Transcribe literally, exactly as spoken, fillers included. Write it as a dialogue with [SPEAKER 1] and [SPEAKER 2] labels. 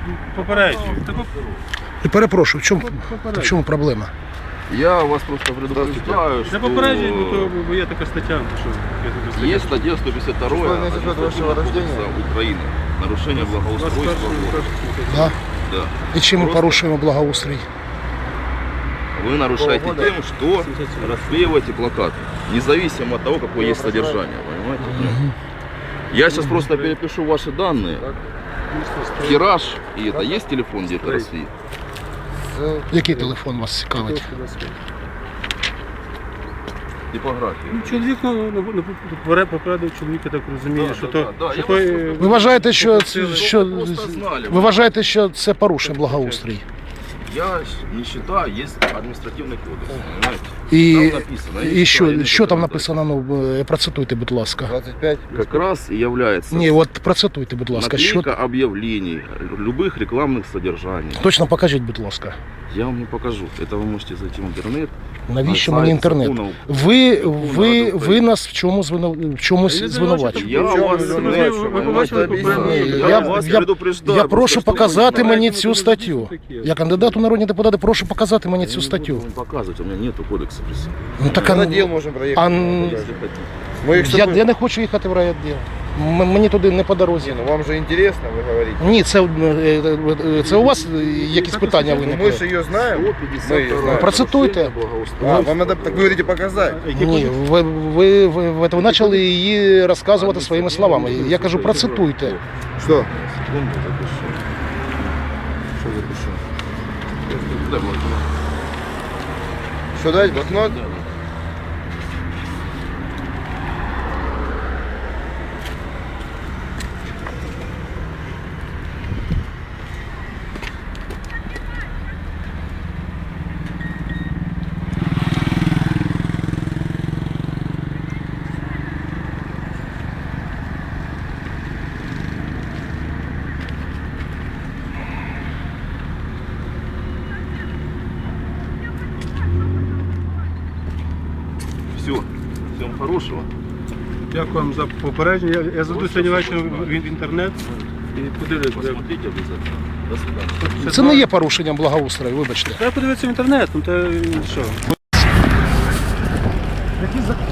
[SPEAKER 1] попереджую.
[SPEAKER 2] І перепрошую, в чому, в чому проблема?
[SPEAKER 3] Я вас просто предупреждаю,
[SPEAKER 1] Це
[SPEAKER 3] что
[SPEAKER 1] попереджую, бо то бо є така стаття. Що, є така стаття.
[SPEAKER 3] есть статья сто пятьдесят два Административного кодекса Украины. Нарушение благоустройства.
[SPEAKER 2] Да?
[SPEAKER 3] Да.
[SPEAKER 2] І чим ми
[SPEAKER 3] Просто
[SPEAKER 2] порушуємо благоустрій?
[SPEAKER 3] Вы нарушаете тем, что расклеиваете плакаты, независимо от того, какое есть содержание. Понимаете? Я сейчас просто перепишу ваши данные. Тираж, и это есть телефон где-то России?
[SPEAKER 2] Який телефон вас цікавить?
[SPEAKER 3] Типография.
[SPEAKER 1] Ну, чоловік, ну, ну, ну, поперед- попередив чоловіка, так розуміє,
[SPEAKER 3] Да,
[SPEAKER 1] що
[SPEAKER 3] да,
[SPEAKER 1] то...
[SPEAKER 3] да, да,
[SPEAKER 1] що
[SPEAKER 3] я
[SPEAKER 1] то,
[SPEAKER 3] вас
[SPEAKER 1] е,
[SPEAKER 2] Ви вважаєте, що, це- що,
[SPEAKER 3] Просто знали.
[SPEAKER 2] ви вважаєте, що це порушує благоустрій?
[SPEAKER 3] Я не считаю, есть административный кодекс, понимаете?
[SPEAKER 2] І,
[SPEAKER 3] Там написано,
[SPEAKER 2] і
[SPEAKER 3] я
[SPEAKER 2] що,
[SPEAKER 3] читаю,
[SPEAKER 2] що
[SPEAKER 3] я
[SPEAKER 2] там
[SPEAKER 3] не
[SPEAKER 2] написано, ну, е, процитуйте, будь ласка.
[SPEAKER 4] двадцать пять.
[SPEAKER 3] Как раз и является
[SPEAKER 2] Ні, от процитуйте, будь ласка, що,
[SPEAKER 3] наклейка объявлений, любых рекламных содержаний.
[SPEAKER 2] точно покажіть, будь ласка.
[SPEAKER 3] Я вам не покажу. Это вы можете зайти в интернет.
[SPEAKER 2] Навіщо
[SPEAKER 3] на
[SPEAKER 2] мені
[SPEAKER 3] сайт
[SPEAKER 2] інтернет?
[SPEAKER 3] закону-
[SPEAKER 2] Ви,
[SPEAKER 3] закону
[SPEAKER 2] ви,
[SPEAKER 3] Ради
[SPEAKER 2] ви
[SPEAKER 3] України.
[SPEAKER 2] нас в чому звину- в чомусь
[SPEAKER 1] Я
[SPEAKER 2] звинувачуєте?
[SPEAKER 3] Я
[SPEAKER 4] Причому
[SPEAKER 3] вас
[SPEAKER 4] ви
[SPEAKER 3] не
[SPEAKER 4] знаєте,
[SPEAKER 3] бачу,
[SPEAKER 1] ви
[SPEAKER 3] ви
[SPEAKER 1] побачили
[SPEAKER 3] можете
[SPEAKER 1] попередньо?
[SPEAKER 3] об'яснити.
[SPEAKER 2] Я-
[SPEAKER 3] Я вас
[SPEAKER 2] я-
[SPEAKER 3] предупреждаю.
[SPEAKER 2] Я
[SPEAKER 3] просто,
[SPEAKER 2] прошу
[SPEAKER 3] що
[SPEAKER 2] показати
[SPEAKER 3] ви
[SPEAKER 2] мені
[SPEAKER 1] знаєте,
[SPEAKER 2] цю
[SPEAKER 1] ми
[SPEAKER 2] статтю.
[SPEAKER 1] тут такі.
[SPEAKER 2] Я кандидат у народні депутати, прошу показати мені
[SPEAKER 3] Я
[SPEAKER 2] цю
[SPEAKER 3] не
[SPEAKER 2] статтю.
[SPEAKER 3] буду вам показывать, у меня нету кодекса при себе.
[SPEAKER 2] Ну, так, а,
[SPEAKER 4] На дел можем проехать.
[SPEAKER 2] а,
[SPEAKER 3] Если хотите.
[SPEAKER 4] Мы их с
[SPEAKER 2] я,
[SPEAKER 4] собой-
[SPEAKER 2] я не хочу їхати в райвідділ. М- Мені туди не по дорозі.
[SPEAKER 4] Не, ну вам же интересно, вы говорите.
[SPEAKER 2] Ні, це, е, е, це у вас е, якісь питання
[SPEAKER 4] Ну, мы
[SPEAKER 2] виникли?
[SPEAKER 4] же ее знаем.
[SPEAKER 3] сто
[SPEAKER 4] Мы
[SPEAKER 3] пятьдесят
[SPEAKER 4] ее
[SPEAKER 3] два.
[SPEAKER 4] знаем.
[SPEAKER 2] Процитуйте.
[SPEAKER 3] Нарушение благоустройства.
[SPEAKER 4] А, вам надо, так вы говорите, показать.
[SPEAKER 2] Ні, ви, ви, ви, ви почали її розказувати своїми словами. Я кажу, процитуйте.
[SPEAKER 4] Что?
[SPEAKER 3] Секунду, запишу. Что запишу? Дай блокнот.
[SPEAKER 4] Что дать, блокнот?
[SPEAKER 3] Да, да. Все. Всем хорошего.
[SPEAKER 1] Дякую вам за попередження. Я, я зайду сьогодні ввечері в, в інтернет і подивлюсь. де-
[SPEAKER 3] Посмотрите обязательно. До свидания.
[SPEAKER 2] Це не є порушенням благоустрою, вибачте.
[SPEAKER 1] Треба подивитися в інтернет, ну то що?
[SPEAKER 2] Які закони?